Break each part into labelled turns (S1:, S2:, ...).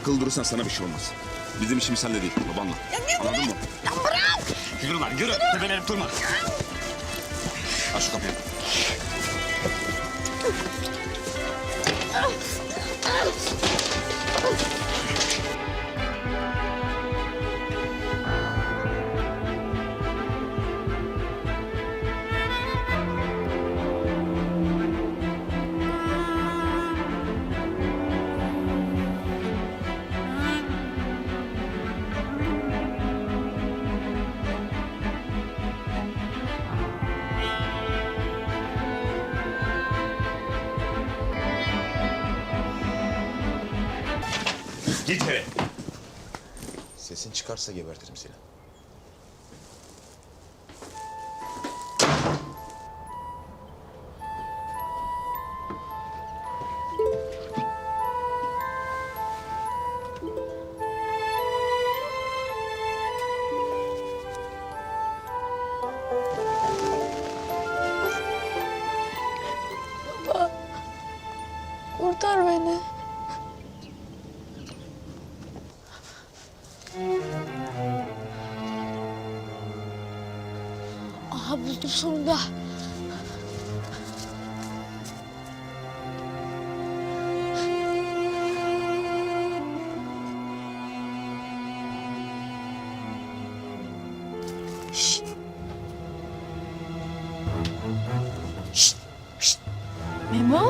S1: akıllı durursan sana bir şey olmaz. Bizim işimiz sende değil, babanla. Anladın mı?
S2: Ya bırak!
S1: Yürü lan, yürü. Tepelenip durma. Aç şu kapıyı. Git eve.
S3: Sesin çıkarsa gebertirim seni.
S2: Kurtar beni. Aha buldum sonunda. Şşt. Şşt. Şşt. Memo?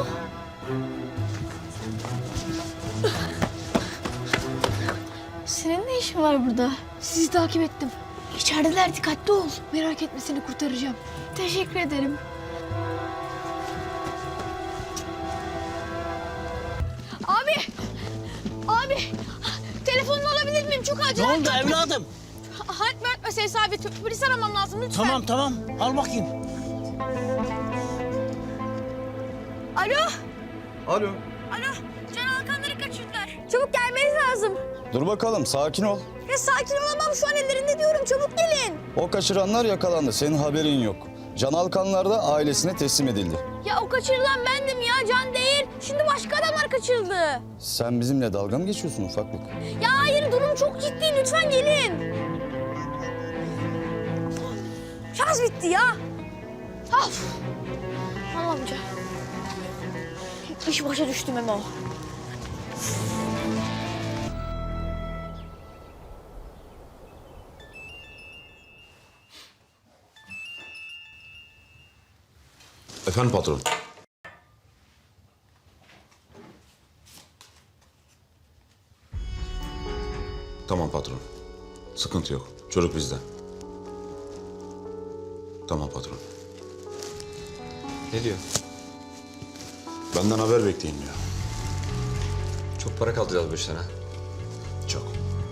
S2: Senin ne işin var burada? Sizi takip ettim. İçerideler, dikkatli ol. Merak etme, seni kurtaracağım. Teşekkür ederim. Abi! Abi! Telefonunu alabilir miyim? Çok acil.
S4: Ne oldu evladım?
S2: Halit Mert meselesi abi. Polis aramam lazım lütfen.
S4: Tamam tamam al bakayım.
S2: Alo!
S5: Alo.
S2: Alo! Can Alkanları kaçırdılar. Çabuk gelmeniz lazım.
S5: Dur bakalım, sakin ol.
S2: Ya sakin olamam, şu an ellerinde diyorum. Çabuk gelin.
S5: O kaçıranlar yakalandı, senin haberin yok. Can Alkanlar da ailesine teslim edildi.
S2: Ya o kaçırılan bendim ya, Can değil. Şimdi başka adamlar kaçırıldı.
S5: Sen bizimle dalga mı geçiyorsun ufaklık?
S2: Ya hayır, durum çok ciddi. Lütfen gelin. Şarj bitti ya. Of. Al amca. İş başa düştü Memo.
S1: Efendim patron. Tamam patron. Sıkıntı yok. Çocuk bizde. Tamam patron.
S6: Ne diyor?
S1: Benden haber bekleyin diyor.
S6: Çok para kaldıracağız bu işten ha.
S1: Çok.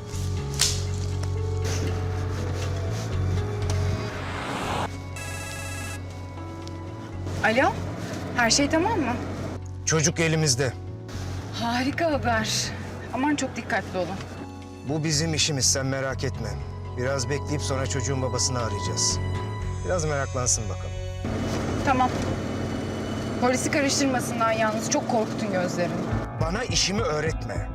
S7: Alo, her şey tamam mı?
S8: Çocuk elimizde.
S7: Harika haber. Aman çok dikkatli olun.
S8: Bu bizim işimiz, sen merak etme. Biraz bekleyip sonra çocuğun babasını arayacağız. Biraz meraklansın bakalım.
S7: Tamam. Polisi karıştırmasından yalnız, çok korktun gözlerini.
S8: Bana işimi öğretme.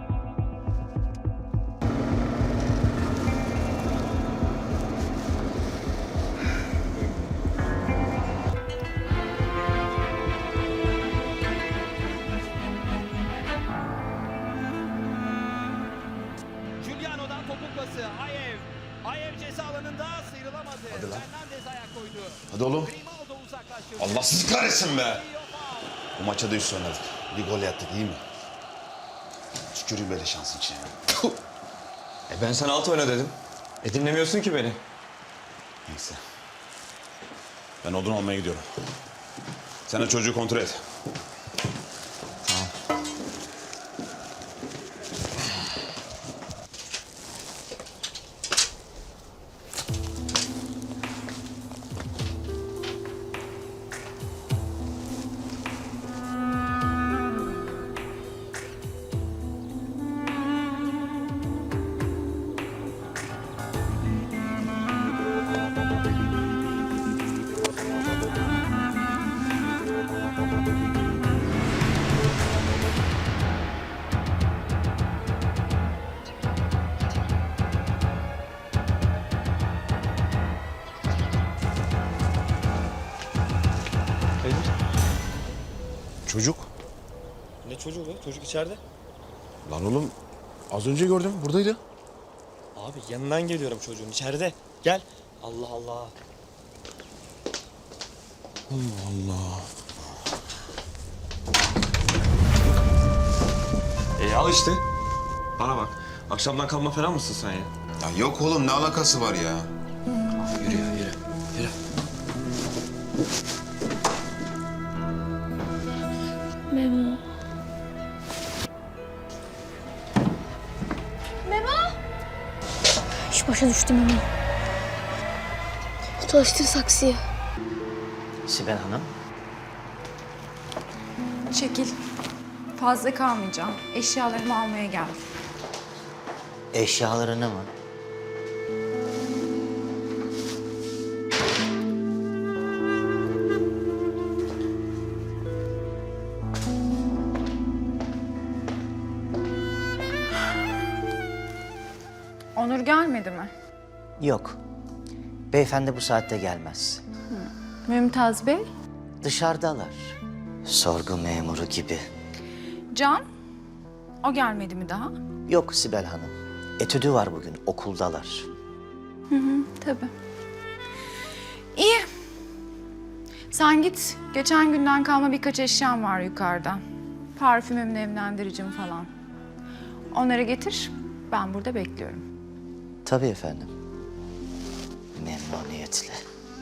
S9: Giuliano'dan topuk pası. Ayev ceza alanında sıyrılamadı. Fernandez ayak koydu.
S1: Hadi oğlum.
S9: Grimaldo uzaklaştırdı.
S1: Allah sizi kahretsin be. Bu maça da üst oynadık. Bir gol yaptık, iyi mi? Tüküreyim böyle şansın içine.
S6: Ben sana alt oyna dedim. Dinlemiyorsun ki beni.
S1: Neyse. Ben odun almaya gidiyorum. Sen de çocuğu kontrol et.
S5: Tamam.
S3: Çocuk.
S10: Ne çocuğu be? Çocuk içeride.
S3: Lan oğlum az önce gördüm buradaydı.
S10: Abi yanından geliyorum çocuğun içeride. Gel. Allah Allah.
S6: Al işte. Bana bak. Akşamdan kalma falan mısın sen ya?
S3: Ya yok oğlum ne alakası var ya?
S6: Yürü ya yürü. Yürü.
S2: Memo. Memo! İş başa düştü Memo. Çalıştır saksıyı.
S11: Sibel Hanım.
S7: Çekil. Fazla kalmayacağım. Eşyalarımı almaya geldim.
S11: Eşyalarını mı?
S7: Onur gelmedi mi?
S11: Yok. Beyefendi bu saatte gelmez.
S7: Mümtaz Bey?
S11: Dışarıdalar. Sorgu memuru gibi.
S7: Can? O gelmedi mi daha?
S11: Yok Sibel Hanım. Etüdü var bugün, okuldalar.
S7: Tabii. İyi. Sen git. Geçen günden kalma birkaç eşyam var yukarıda. Parfümüm, nemlendiricim falan. Onları getir. Ben burada bekliyorum.
S11: Tabii efendim. Memnuniyetle.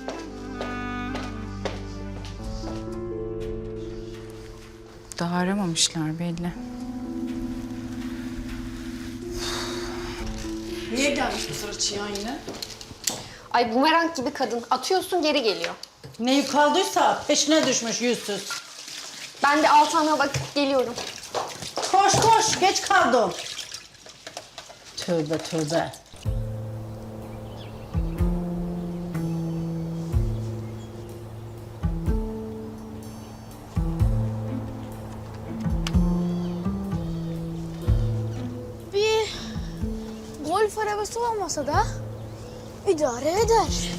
S7: Daha aramamışlar belli.
S12: Niye gelmiş bu sıra Çiyan yine?
S2: Ay bumerang gibi kadın. Atıyorsun geri geliyor.
S12: Ne yük kaldıysa peşine düşmüş yüzsüz.
S2: Ben de Altan'a bakıp geliyorum.
S12: Koş koş geç kaldım. Tövbe tövbe.
S2: Bir golf arabası olmasa da idare eder.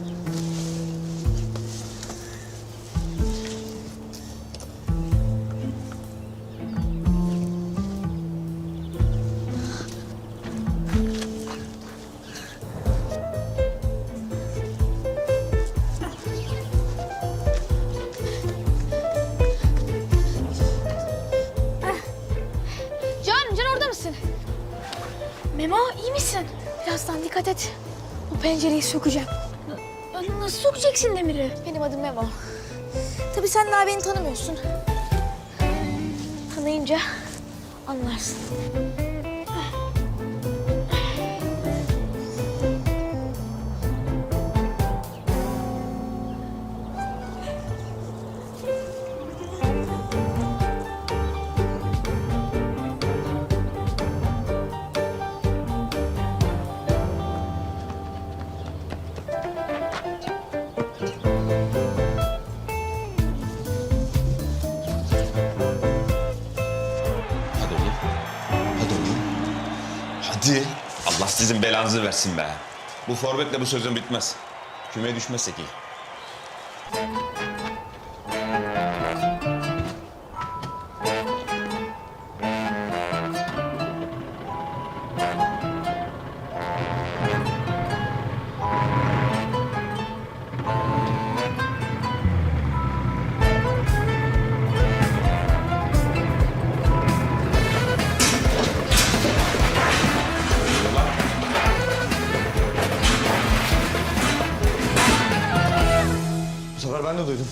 S2: Can orada mısın? Memo iyi misin? Birazdan dikkat et. O pencereyi sökeceğim. Nasıl sokacaksın demiri? Benim adım Memo. Tabii sen daha beni tanımıyorsun. Tanıyınca anlarsın.
S6: Hadi oğlum. Hadi oğlum. Hadi. Allah sizin belanızı versin be. Bu forvetle bu sözün bitmez. Kümeye düşmezsek iyi. Bu sefer ben de duydum.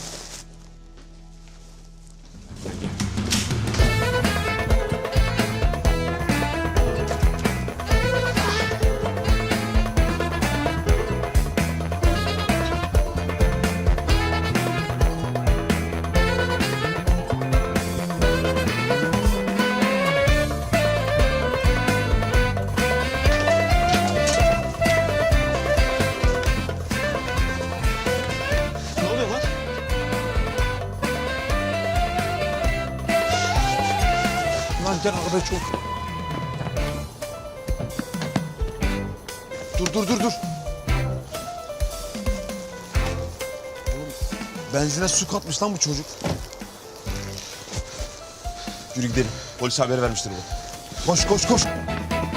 S10: Ne oluyor lan?
S3: Lan gel arabaya çok. Dur. Oğlum, benzine su katmış lan bu çocuk.
S1: Yürü gidelim. Polis haber vermiştir bu. Koş koş koş.